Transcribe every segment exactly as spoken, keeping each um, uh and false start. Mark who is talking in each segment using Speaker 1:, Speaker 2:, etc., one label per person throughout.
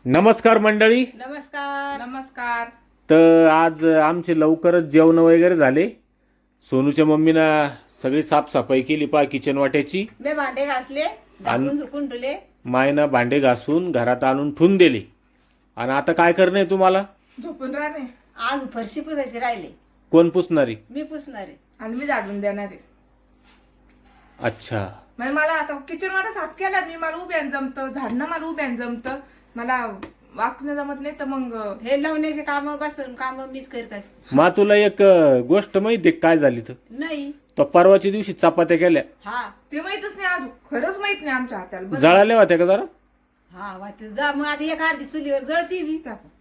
Speaker 1: नमस्कार मंडळी.
Speaker 2: नमस्कार.
Speaker 3: नमस्कार.
Speaker 1: तर आज आमचे लवकरच जेवण वगैरे झाले. सोनूच्या मम्मीनं सगळी साफसफाई केली पा किचन वाट्याची.
Speaker 2: मी भांडे घासले, झाकून झुकून ठेवले.
Speaker 1: मायनं भांडे घासून घरात आणून ठेवून दिले. आणि आता काय करणं आहे तुम्हाला?
Speaker 3: झोपून राहणे.
Speaker 2: आज फरशी पुसायचे राहिले.
Speaker 1: कोण पुसणारी?
Speaker 2: मी पुसणारे
Speaker 3: आणि मी झाडून देणार आहे.
Speaker 1: अच्छा,
Speaker 3: म्हणजे मला आता किचन वाटा साफ केला मी, मला उभ्यान जमतं, झाडणं मला उभ्यान जमतं, मला वाकणं जमत नाही. तर मग
Speaker 2: हे लावण्याचे काम बसून काम मीच करत असते.
Speaker 1: मा तुला एक अ, गोष्ट माहिती आहे काय झाली तर?
Speaker 2: नाही.
Speaker 1: तो परवाच्या दिवशी चपात्या केल्या,
Speaker 2: हा
Speaker 3: ते माहितच नाही अजून, खरंच माहित नाही आमच्या हाताला. बरं.
Speaker 1: जळाल्या होत्या का जरा?
Speaker 2: हा वाटत जा मग आता एक अर्धी चुलीवर जळती मी.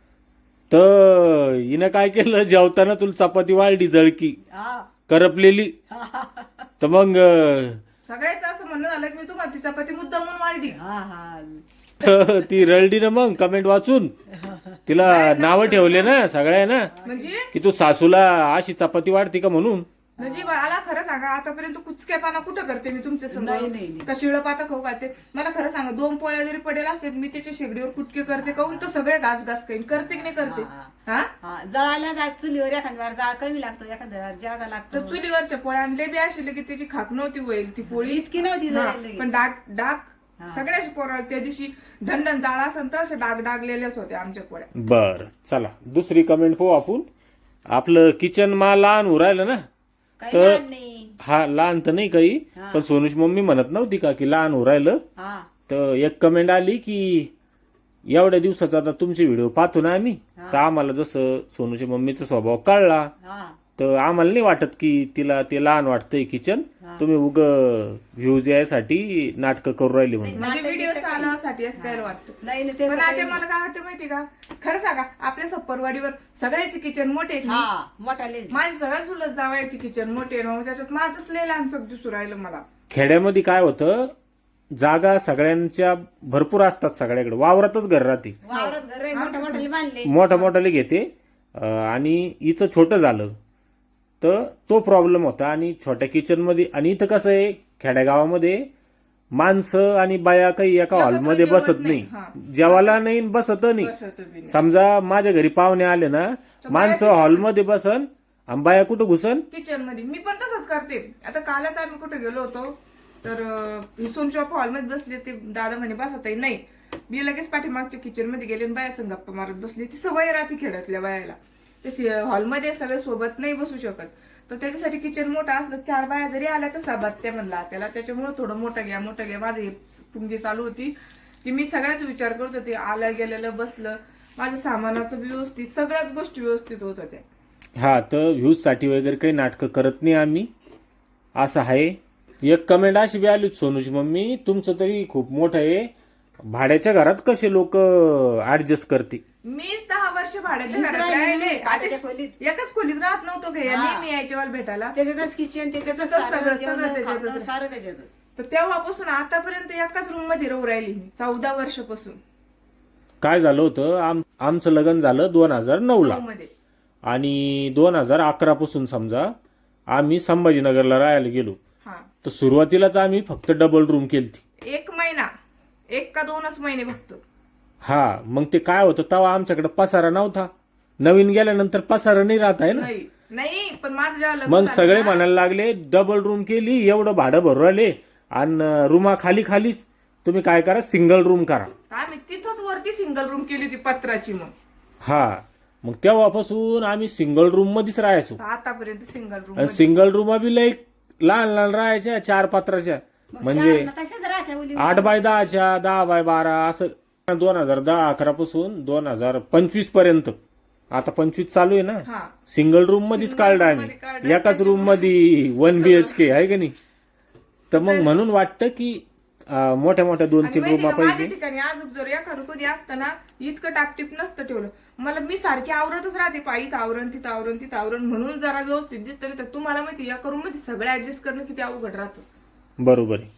Speaker 1: तर हिनं काय केलं, जेवताना तुला चपाती वाढली जळकी
Speaker 2: हा
Speaker 1: करपलेली. तर मग अ,
Speaker 3: सगळ्याच असं म्हणणं झालं की मी तुम्हाला ती चपाती मुद्दा म्हणून वाढली.
Speaker 2: हा हा
Speaker 1: ती रडली ना मग कमेंट वाचून. तिला नावं ठेवले ना सगळ्या ना
Speaker 3: म्हणजे
Speaker 1: की तू सासूला अशी चपाती वाढते का म्हणून.
Speaker 3: म्हणजे मला खरं सांगा, आतापर्यंत कुचकेपणा कुठं करते मी तुमच्या
Speaker 2: नाही, नाही,
Speaker 3: समोर
Speaker 2: नाही.
Speaker 3: का शिळपाता खाऊ घालते? मला खरं सांगा, दोन पोळ्या जरी पडेल असते मी त्याच्या शेगडीवर कुटके करते, काऊन तर सगळे घास घास काही करते की नाही करते. हा
Speaker 2: हा जळायला जात चुलीवर एखाद्या वेळा जाळ कमी लागतो, एखाद्या वेळा जादा
Speaker 3: तर
Speaker 2: लागतो.
Speaker 3: चुलीवरच्या पोळ्या आणले बी असेल की त्याची खाक नव्हती होईल ती पोळी.
Speaker 2: इतकी नव्हती
Speaker 3: हा,
Speaker 2: जळायला
Speaker 3: पण डाग डाग सगळ्याच पोळ्या त्या दिवशी ढंढण जाळ असेल तर असे डाग डागलेल्याच होत्या आमच्या पोळ्या.
Speaker 1: बर चला दुसरी कमेंट पाहू आपण. आपलं किचन मा लहान उरायलं ना.
Speaker 2: काही
Speaker 1: तर
Speaker 2: लहान नाही.
Speaker 1: हा लहान तर नाही काही, पण सोनूची मम्मी म्हणत नव्हती का की लहान उरायलं.
Speaker 2: हा
Speaker 1: तर एक कमेंट आली की एवढ्या दिवसाचा आता तुमचे व्हिडिओ पाहतो ना आम्ही, तर आम्हाला जसं सोनूच्या मम्मीचा स्वभाव कळला
Speaker 2: हा
Speaker 1: तर आम्हाला नाही वाटत की तिला ते लहान वाटतंय किचन. तुम्ही उग व्ह्यूज यासाठी नाटकं करू राहिली म्हणून.
Speaker 3: म्हणजे व्हिडिओ चालवण्यासाठी असं काय वाटतं.
Speaker 2: नाही नाही,
Speaker 3: पण
Speaker 2: त्याचं
Speaker 3: आता
Speaker 2: काही
Speaker 3: मला काय वाटतं माहिती का, खरं सांगा, आपल्या सप्परवाडीवर सगळ्याचे किचन मोठे आहेत ना.
Speaker 2: हा मोठा लेज.
Speaker 3: माझी सगळ्यात चुलत जावयाची किचन मोठे आहे ना, त्याच्यात माझंच लय लहान सब दिसू राहिलं मला.
Speaker 1: खेड्यामध्ये काय होतं, जागा सगळ्यांच्या भरपूर असतात, सगळ्याकडे वावरातच घर राहते,
Speaker 2: वावरात घर आहे, मोठ्या मोठ्याले बांधले.
Speaker 1: मोठ्या मोठ्याले घेते. अं, आणि हिचं छोटं झालं तर तो प्रॉब्लेम होता. आणि छोट्या किचनमध्ये, आणि इथं कसं आहे खेड्यागावामध्ये माणसं आणि बाया काही एका हॉलमध्ये बसत नाही, जेवायला नाही बसत नाही.
Speaker 3: बसत बी नाही.
Speaker 1: समजा माझ्या घरी पाहुणे आले ना, माणसं हॉलमध्ये बसन आणि बाया कुठं घुसन
Speaker 3: किचन मध्ये. मी पण तसंच करते. आता कालच आम्ही कुठे गेलो होतो तर सोनच्या हॉलमध्ये बसले, ते दादा म्हणे बसत नाही. मी लगेच पाठीमागच्या किचन मध्ये गेले आणि बाया संग गप्पा मारत बसली. ती सवय राहते खेड्यातल्या बायाला, तशी हॉलमध्ये सगळे सोबत नाही बसू शकत. तर त्याच्यासाठी किचन मोठा असलं, चार बाया जरी आल्या तर साबात्या म्हणला त्याला, त्याच्यामुळे थोडं मोठं घ्या मोठं घ्या. माझी पुंगी चालू होती की मी सगळ्याच विचार करत होते, आलं गेलेलं बसलं, माझं सामानाचं व्यवस्थित, सगळ्याच गोष्टी व्यवस्थित होत होत्या.
Speaker 1: हा. तर व्ह्यूज साठी वगैरे काही नाटकं करत नाही आम्ही, असं आहे. एक कमेंट अशी बी आली, सोनूची मम्मी तुमचं तरी खूप मोठं आहे, भाड्याच्या घरात कसे लोक ऍडजस्ट करते.
Speaker 3: मीच दहा वर्ष भाड्याच्या
Speaker 2: मीच
Speaker 3: घरात
Speaker 2: राहिली
Speaker 3: राहिले.
Speaker 2: नाही,
Speaker 3: आता
Speaker 2: भाड्याच्या खोलीत.
Speaker 3: एकच खोलीत राहत नव्हतो का, नेहमी यायच्या वाल भेटायला.
Speaker 2: त्याच्यातच किचन, त्याच्यातच
Speaker 3: सगळं-
Speaker 2: सारं
Speaker 3: सगळं
Speaker 2: जेवण,
Speaker 3: त्याच्यातच.
Speaker 2: खाणं, सारं त्याच्यातच.
Speaker 3: तर तेव्हापासून आतापर्यंत एकाच रूम मध्ये राहू राहिली मी, चौदा वर्षापासून.
Speaker 1: काय झालं होतं, आम आमचं लग्न झालं दोन हजार नऊ ला,
Speaker 3: मध्ये
Speaker 1: आणि दोन हजार अकरा पासून समजा आम्ही संभाजीनगरला राहायला गेलो.
Speaker 3: हा,
Speaker 1: तर सुरुवातीलाच आम्ही फक्त डबल रूम केलती.
Speaker 3: एक महिना, एक का दोनच महिने फक्त.
Speaker 1: हा. मग ते काय होतं, तेव्हा आमच्याकडे पसारा नव्हता. नवीन गेल्यानंतर पसारा नाही राहत आहे ना.
Speaker 3: नाही नाही, पण माझं जेव्हा लग्न
Speaker 1: मग
Speaker 3: झालं
Speaker 1: सगळे
Speaker 3: ना,
Speaker 1: म्हणायला लागले डबल रूम केली, एवढं भाडं भरू राहिले, आणि रूमा खाली खालीच, तुम्ही काय करा सिंगल रूम करा.
Speaker 3: आम्ही तिथंच वरती सिंगल रूम केली होती पत्राची. मग
Speaker 1: हा. मग तेव्हापासून आम्ही सिंगल रूम मध्येच राहायचो.
Speaker 3: आतापर्यंत सिंगल रूम.
Speaker 1: आणि सिंगल रूम बी लई लहान लहान राहायच्या, चार पात्राच्या, म्हणजे
Speaker 2: शाळेला तशाच राहत्या उली.
Speaker 1: आठ बाय दहाच्या, दहा बाय बारा असं. दोन हजार दहा अकरा पासून दोन हजार पंचवीस पर्यंत, आता पंचवीस चालू आहे ना,
Speaker 3: हा,
Speaker 1: सिंगल रूम मध्येच काढलं
Speaker 3: room मध्ये काढलं.
Speaker 1: आम्ही, एकाच रूम मध्ये वन बीएचके आहे का नाही. तर मग म्हणून वाटतं की अं, मोठ्या मोठ्या दोन
Speaker 3: आणि
Speaker 1: तीन
Speaker 3: माहिती
Speaker 1: रूमा
Speaker 3: का, माझ्या
Speaker 1: पाहिजे.
Speaker 3: ठिकाणी अजून जर एखादं कोणी असतं ना, इतकं टापटीप नसतं ठेवलं. मला मी सारखी आवरतच राहते, पायीत आवरण, तिथं आवरण, तिथं आवरण, म्हणून जरा व्यवस्थित दिसतं. नाही तर तुम्हाला माहिती, या रूम मध्ये सगळं ऍडजस्ट करणं किती अवघड राहतं.
Speaker 1: बरोबर आहे.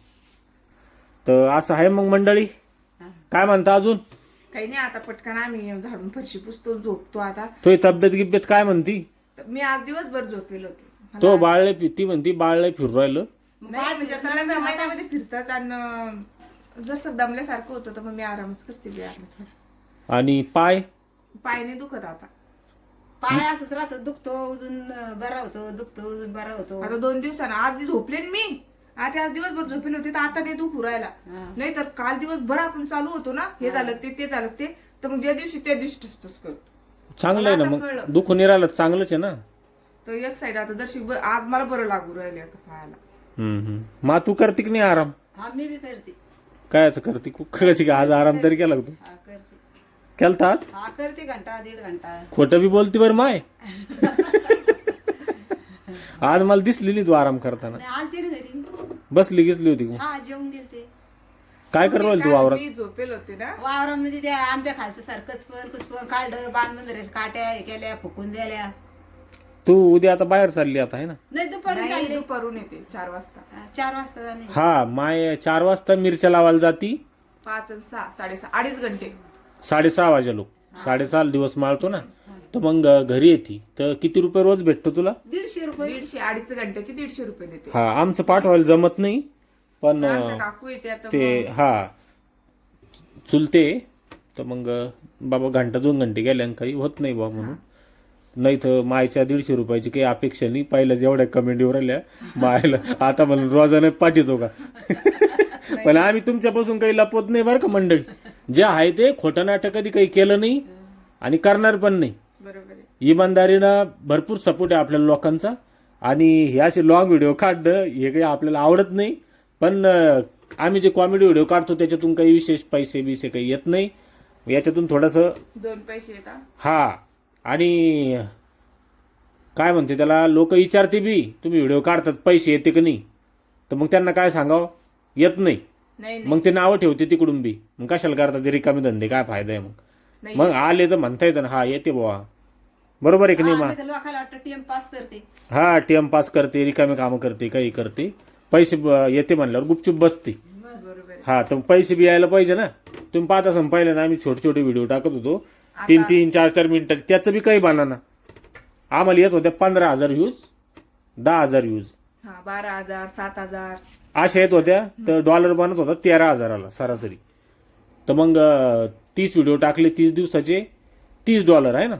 Speaker 1: तर असं आहे मग मंडळी. काय म्हणता अजून?
Speaker 3: काही नाही, आता पटकन आम्ही झाडून फरशी पुसतो, झोपतो आता.
Speaker 1: तो तब्येत गिब्येत काय म्हणती?
Speaker 3: तर मी आज दिवसभर झोपेल होते.
Speaker 1: तो बाळले ती म्हणती बाळले फिरू राहिलं.
Speaker 3: नाही म्हणजे आता नव्या महिन्यामध्ये फिरतात, आणि जर दमल्यासारखं होतं तर मग मी आरामच करते बी आराम थोडा.
Speaker 1: आणि पाय
Speaker 3: पायने दुखत आता
Speaker 2: पाय असंच राहतो, दुखतो अजून बरा होतो, दुखतो अजून बरा होतो.
Speaker 3: आता दोन दिवसानं आज झोपले ना मी, आता आज दिवसभर झोपले होते तर आता नाही दुखू राहिला.
Speaker 2: हा.
Speaker 3: नाही तर काल दिवसभर आपण चालू होतो ना, हे झालं ते ते झालं ते, तर मग ज्या दिवशी त्या दिवशी टसटस करतो.
Speaker 1: चांगलं आहे ना,
Speaker 3: मला
Speaker 1: मग
Speaker 3: आता कळलं.
Speaker 1: दुखून नाही राहिलं चांगलंच आहे ना.
Speaker 3: तर एक साईड आता दर्शक ब- आज मला बरं लागू राहिले आता पायाला.
Speaker 1: हम्म हम्म. मग तू करते की नाही आराम?
Speaker 2: हा मी बी करते.
Speaker 1: काय करते कधी आज आराम तरी केला का तू?
Speaker 2: हा करते.
Speaker 1: केलता आज?
Speaker 2: हा करते घंटा दीड घंटा.
Speaker 1: खोटं बी बोलती बरं माय. आज मला दिसली नाही तू आराम करताना.
Speaker 2: आणि आलती ना घरी.
Speaker 1: बसली गिसली होती का?
Speaker 2: हा जेवून गेलते.
Speaker 1: काय करत तू
Speaker 3: काल
Speaker 1: वावरात?
Speaker 3: मी झोपेल होते ना,
Speaker 2: वावरामध्ये त्या आंब्या खालचं सारखंच पण कुचपण काढलं, बांधून धरायचं, काट्या हे केल्या, फुकून दिल्या.
Speaker 1: तू उद्या आता बाहेर चालली आता आहे ना?
Speaker 2: नाही दुपारी
Speaker 3: नाही
Speaker 2: चालले.
Speaker 3: दुपारून येते चार वाजता.
Speaker 2: हा, चार वाजता जाणे.
Speaker 1: हा माय चार वाजता मिरच्या लावायला जाती,
Speaker 3: पाच आणि सहा साडेसहा अडीच घंटे.
Speaker 1: साडेसहा वाजे लोक साडेसहा दिवस माळतो ना, तर मग घरी येते. तर किती रुपये रोज भेटतो तुला?
Speaker 2: दीडशे रुपये.
Speaker 3: दीडशे अडीच घंट्याचे दीडशे रुपये देते.
Speaker 1: हा आमचं पाठवायला जमत नाही, पण
Speaker 3: आमच्या काकू येते आता
Speaker 1: ते
Speaker 3: मग.
Speaker 1: हा चुलते, तर मग बाबा घंटा दोन घंटे गेल्या काही होत नाही बा म्हणून. नाही तर मायच्या दीडशे रुपयाची काही अपेक्षा नाही. पहिल्याच एवढ्या कमेंट येऊ राहिल्या मायला, आता म्हणून रोजाने पाठवतो का? पण आम्ही तुमच्यापासून काही लपवत नाही बरं का मंडळी. जे आहे ते खोटं नाटक कधी काही केलं नाही आणि करणार पण नाही.
Speaker 3: बरोबर आहे.
Speaker 1: इमानदारीनं भरपूर सपोर्ट आहे आपल्या लोकांचा. आणि हे असे लॉंग व्हिडिओ काढणं हे काही आपल्याला आवडत नाही, पण अं, आम्ही जे कॉमेडी व्हिडिओ काढतो त्याच्यातून काही विशेष पैसे बिसे काही येत नाही. याच्यातून थोडंसं
Speaker 3: दोन पैसे येतात.
Speaker 1: हा. आणि काय म्हणते त्याला, लोक विचारते बी तुम्ही व्हिडिओ काढतात पैसे येते की नाही, तर मग त्यांना काय सांगावं, येत नाही.
Speaker 3: नाही नाही
Speaker 1: मग ते नावं ठेवते तिकडून बी. मग कशाला करतात ते रिकामे धंदे, काय फायदा आहे मग?
Speaker 3: नाही.
Speaker 1: मग आले तर म्हणता येतं ना हा येते बुवा. बरोबर आहे की नाही?
Speaker 2: हा,
Speaker 1: मा
Speaker 2: मी तर लोकांना वाटतं टीएम पास करते.
Speaker 1: हा टीएम पास करते, रिकामे कामं करते, काही करते, पैसे ब- येते म्हणल्यावर गुपचूप बसते.
Speaker 3: बरोबर आहे.
Speaker 1: हा तर पैसे बी यायला पाहिजे ना. तुम्ही पाहत असं पाहिलं ना, आम्ही छोटे छोटे व्हिडिओ टाकत होतो तीन तीन चार चार मिनिटाचे, त्याचं बी काही बाना. आम्हाला येत होत्या पंधरा हजार व्ह्यूज, दहा हजार व्ह्यूज
Speaker 3: हा बारा हजार सात हजार
Speaker 1: अशा येत होत्या. तर डॉलर बनत होता तेरा हजाराला सरासरी. तर मग अं, तीस व्हिडिओ टाकले तीस दिवसाचे, तीस डॉलर आहे ना.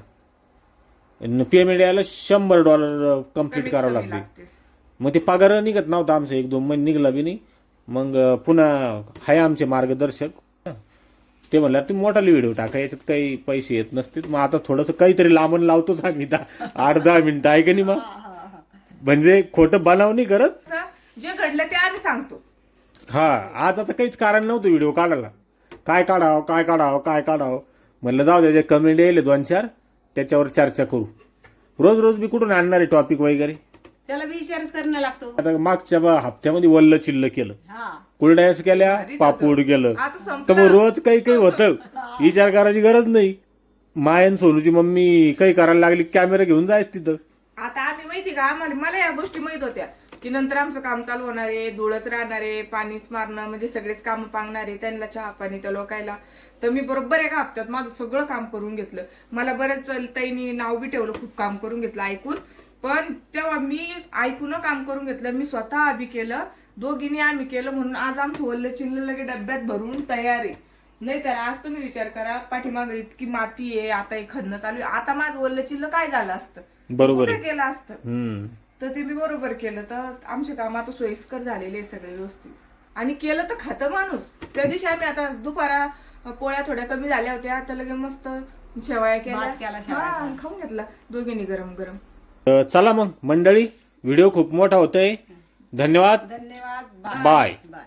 Speaker 1: पेमेंट यायला शंभर डॉलर कम्प्लीट
Speaker 3: कमीत
Speaker 1: करावं
Speaker 3: कमी
Speaker 1: लागते.
Speaker 3: लागते.
Speaker 1: मग ते पगार निघत नव्हता आमचं, एक दोन महिने निघला बी नाही. मग अं, पुन्हा हाय आमचे मार्गदर्शक, ते म्हणलं तुम्ही मोठाले व्हिडिओ टाका, याच्यात काही पैसे येत नसतील. मग आता थोडंसं काहीतरी लांबून लावतोच आम्ही, दहा आठ दहा मिनिटं आहे का नाही? मग म्हणजे खोटं बनाव नाही करत.
Speaker 3: असं जे घडलं ते आम्ही सांगतो.
Speaker 1: हा आज आता काहीच कारण नव्हतं व्हिडिओ काढायला. काय काढावं काय काढावं काय काढावं म्हणलं जाऊ द्या, जे कमेंट येईल दोन चार त्याच्यावर चर्चा करू. रोज रोज मी कुठून आणणार आहे टॉपिक वगैरे?
Speaker 2: त्याला बी विचारच करणं लागतो.
Speaker 1: आता मागच्या बा- हप्त्यामध्ये वल्ल चिल्ल केलं,
Speaker 2: हा
Speaker 1: कुरड्यास केल्या,
Speaker 3: भारीच
Speaker 1: पापूड केलं.
Speaker 3: आता
Speaker 1: तर
Speaker 3: संपलं.
Speaker 1: मग रोज काही काही होतं, विचार करायची गरज नाही. मायन सोनूची मम्मी काही करायला लागली, कॅमेरा घेऊन जायच तिथं.
Speaker 3: आता आम्ही माहिती का, आम्हाला मला या गोष्टी माहित होत्या की नंतर आमचं काम चालू होणार आहे, धुळच राहणार आहे, पाणीच मारणं म्हणजे सगळेच काम पांगणार आहे, त्यांना चहा पाणी त्या लोकायला. तर मी बरोबर एका हप्त्यात माझं सगळं काम करून घेतलं. मला बरेच ताईंनी नाव बी ठेवलं, खूप काम करून घेतलं ऐकून. पण तेव्हा मी ऐकून काम करून घेतलं, मी स्वतः बी केलं, दोघींनी आम्ही केलं, म्हणून आज आमचं वल्ल चिल्ल लगे डब्यात भरून तयार आहे. नाही तर आज तुम्ही विचार करा, पाठीमागे इतकी माती आहे, आता हे खणणं चालू आहे, आता माझं वल्ल चिल्ल काय झालं असतं,
Speaker 1: बरोबर
Speaker 3: कुठे
Speaker 1: आहे.
Speaker 3: केलं असतं.
Speaker 1: हम्म.
Speaker 3: तर ते मी बरोबर केलं. तर आमचे काम आता सोयीस्कर झालेले आहे सगळे व्यवस्थित. आणि केलं तर खातं माणूस. त्या दिवशी आम्ही आता दुपारा पोळ्या थोड्या कमी झाल्या होत्या, तर लगे मस्त शेवया
Speaker 2: भात केला,
Speaker 3: केल्या,
Speaker 2: शेवयाचा.
Speaker 3: हा, खाऊन घेतला दोघींनी गरम गरम.
Speaker 1: तर चला मग मंडळी, व्हिडिओ खूप मोठा होतोय. धन्यवाद.
Speaker 2: धन्यवाद.
Speaker 1: बाय.
Speaker 2: बाय.